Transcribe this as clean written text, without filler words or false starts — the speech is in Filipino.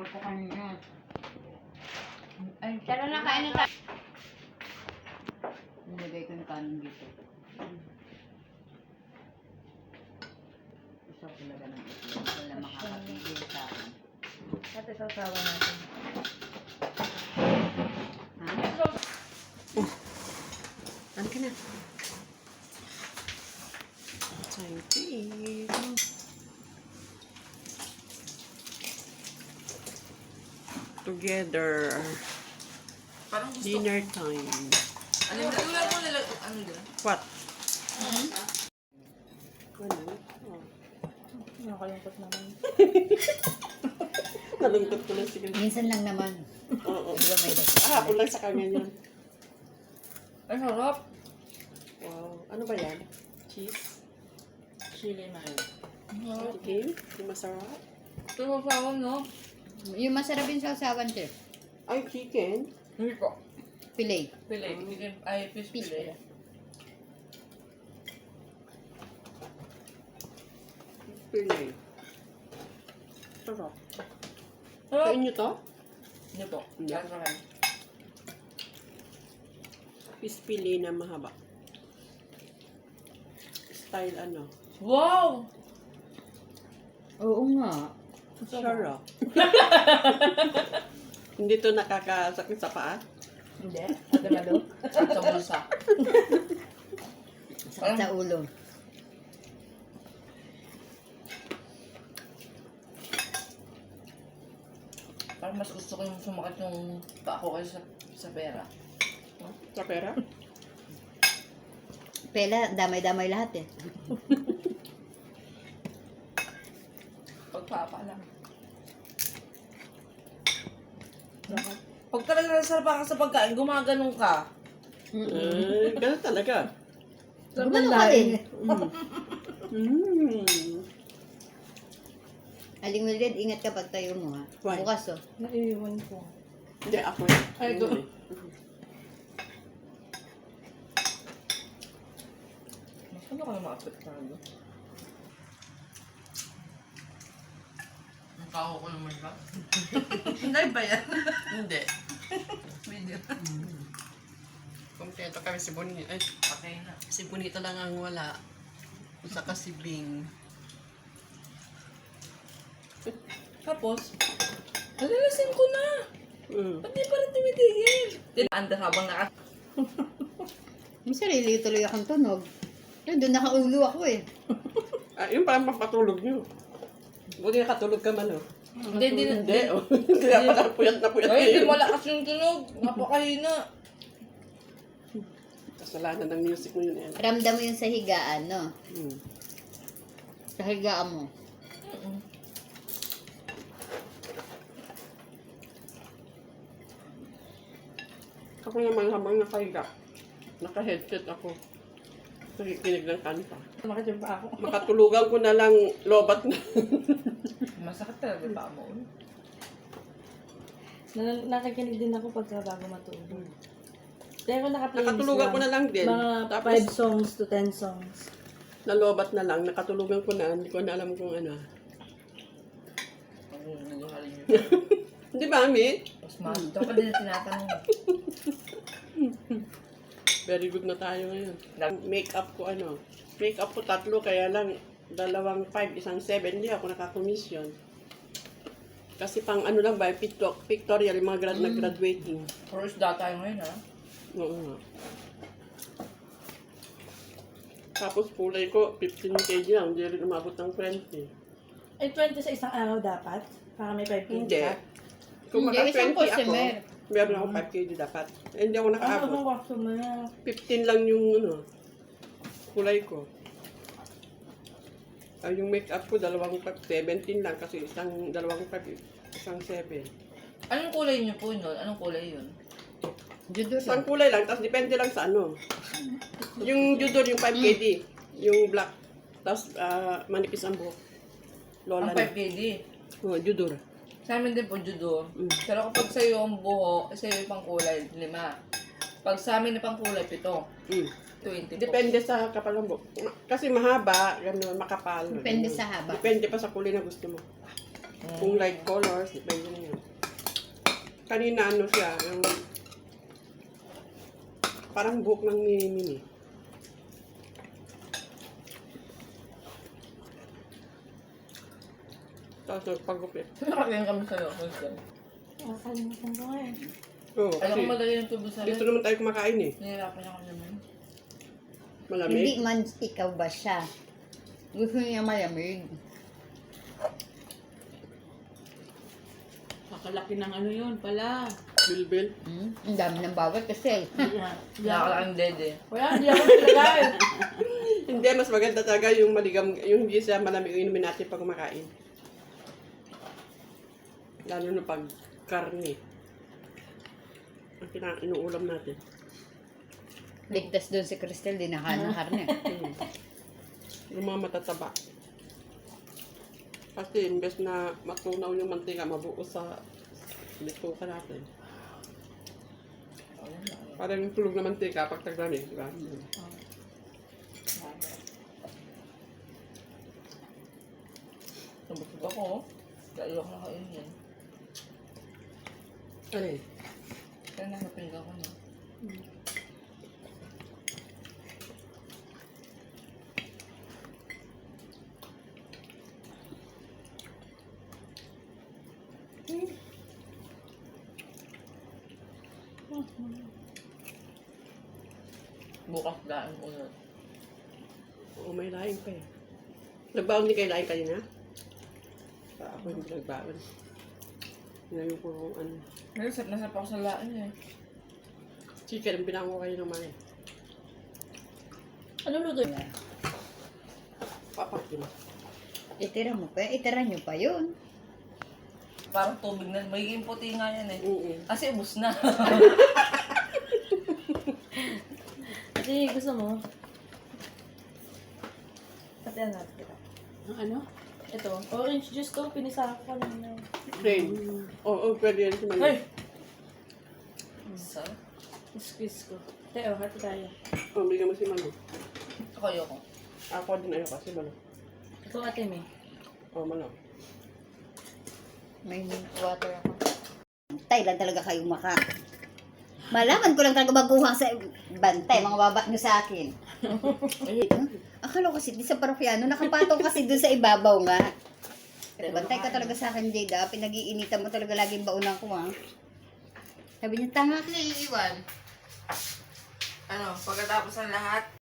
Bawal ko kanina. Ay, tara na, kain na tayo. Nilagay ko yung kanin dito. Gusto ko talaga ng itlog. Wala makakapigil sa akin. Ate, sasawa natin. Ha? Ano ka na? Time to eat. Together. Parang gusto Dinner time. Ano yung wala mo nilag... Ano yun? What? Ano? Oh. Nakalungkot naman. Nalungkot ko lang siguro. Minsan lang naman. Oo. Di ba may Hapon lang sa kanya yan. Ay, harap. Wow. Ano ba yan? Cheese? Chili na yun. Okay. Yung masarap. Ito masawan, no? Yung masarap yung sausawan, sir. Ay, chicken. Hindi po. Filet. Pili. Ay, fish Fish pili. fillet. Pili. Sarap. Harap. Kain nyo to? Hindi po. Hindi. Lasa kayo. Fish pili na mahaba. Style ano? Wow! Oo nga. Sarap. Hindi to nakakasakit sa paa? Hindi. Ate Mado. At sa bulsa. Sakit sa ulo. Parang mas gusto ko yung sumakit yung paa ko kaysa sa pera. Sa pera? Pela, damay-damay lahat eh. Pagpapa lang. Pag talaga nasarapan ka sa pagkain, gumaganong ka. Ganun talaga. Gumano ka din. Aling Mildred, ingat ka pag tayo mo ha. Why? Bukas oh. Naiiwan ko. Hindi, ako yun. Ay, ito. Mas ano ka na maapektado? Ang kaho ko naman ba? Hindi ba yan? Hindi. Video. Kompleto kami si Bonita. Ay, Okay na. si Bonita lang ang wala. Saka si Bing. Tapos, alalasin ko na. Ba't di pa rin tumitigil? Anda habang naka... Yung sarili tuloy akong tunog. Yun, doon nakaulo ako eh. Ah, yun parang papatulog nyo. Buti nakatulog ka man, oh. Hindi. Hindi, oh. Hindi na puyat na puyat Ay, hindi kayo. malakas yung tunog. Napakahina. Kasalanan ng music mo yun, eh. Ramdam mo yung sa higaan, no? Hmm. Sa higaan mo. Ako naman habang nakahiga. Naka-headset ako. Nakikinig ng kanta. Makachimpa ako. Makatulugan ko na lang lobat na. Masakit talaga pa mo. Nakikinig din ako pagka bago matulog. Kaya ako naka-playlist Nakatulugan ko na lang din. Mga Tapos, 5 songs to 10 songs. nalobat na lang. Nakatulugan ko na. Hindi ko na alam kung ano. Ang naghahalin niyo. Hindi ba, Mi? Mas mahal. Ito pa din na tinatanong. Very good na tayo ngayon. Make-up ko ano. Make-up ko 3, kaya lang 2, 5, 1, 7. Hindi ako nakakomisyon. Kasi pang ano lang ba, pictorial, yung mga nag-graduating. Puro isda tayo ngayon, ha? Oo nga. Tapos kulay ko, 15 kg lang. Hindi rin umabot ng 20. Eh, 20 sa isang araw dapat? Para may 5 Hindi. ka? Kung Hindi, maka isang 20 ako, customer. meron ako 5 kg dapat. Eh, hindi ako Ano nakaabot. ang wakso mo na? 15 lang yung ano, kulay ko. Ay, yung makeup ko, 2, 5, 17 lang kasi isang 2, 5, isang 7. Anong kulay niyo po nun? Anong kulay yun? Judo Isang lang. kulay lang, tapos depende lang sa ano. Yung judor, yung 5 kg, yung black. Tapos manipis ang buhok. Lola Ang na. 5 kg. Oh, judor. Sa amin din po, judo. Mm. Pero kapag sa'yo ang buho, sa'yo yung pang kulay, 5. Pag sa amin na pang kulay, 7. Mm. 20 po. Depende sa kapal ng buhok. Kasi mahaba, gano'n, makapal. Depende ganun. sa haba. Depende pa sa kulay na gusto mo. Kung light colors, depende na yun. Kanina ano siya, yung parang buhok ng mini-mini. Tapos nagpagupit. Nakakain kami sa loob. Nakakalimutan ko nga eh. Oo, Alam ko kasi madali ng tubo sa dito naman tayo kumakain eh. Nahirapan ako naman. Malamig. Hindi man ikaw ba siya. Gusto niya malamig. Kakalaki ng ano yun pala. Bilbil. Ang dami ng bawat kasi. Nakakalaking dede. Wala, hindi ako nilagay. Hindi, mas maganda talaga yung maligam, yung hindi siya malamig yung inumin natin pag kumakain. Lalo na pag karne. Ang inuulam natin. Ligtas doon si Cristel, di nakain ng karne. Yung mga matataba. Kasi imbes na matunaw yung mantika, mabuo sa bituka natin. Parang yung tulog na mantika pag taglamig, di ba? Nabusog ako. Dahil ako nakainin. Ano eh? Kaya nakapinga ko na. Bukas daan ulit. Oo, may laing pa eh. Nagbaon din kayo laing kanina? Ako hindi nagbaon. Ngayon ko kung ano. Nasap ako sa laan eh. Chicken, ang binango kayo ng mali. Ano luto yun? Papakin. Itira mo pa, itira nyo pa yun. Parang tubig na. Magiging puti nga yan eh. Oo. Kasi ubus na. Ate, gusto mo? Ate, natin kita. Ano? Ito, orange juice to. Pinisa ko kanina. Plain. Oo, pwede yan si Mali. Hey! So, Squeeze ko. Teo, hati tayo. Oh, bigyan mo si Mali. ako ayoko. Ako din ayoko si Mali. Ito ate, me. Oh, Mali. May water ako. Bantay lang talaga kayong maka. Malaman ko lang talaga magkuha sa bantay, mga baba nyo sa akin. Akala ko kasi di sa parokyano, nakapatong kasi dun sa ibabaw nga. Bantay ka talaga sa akin, Jada. Pinag-iinitan mo talaga laging baunan ko, ha. Sabi niya, tanga ka na iiwan. Ano, pagkatapos ng lahat,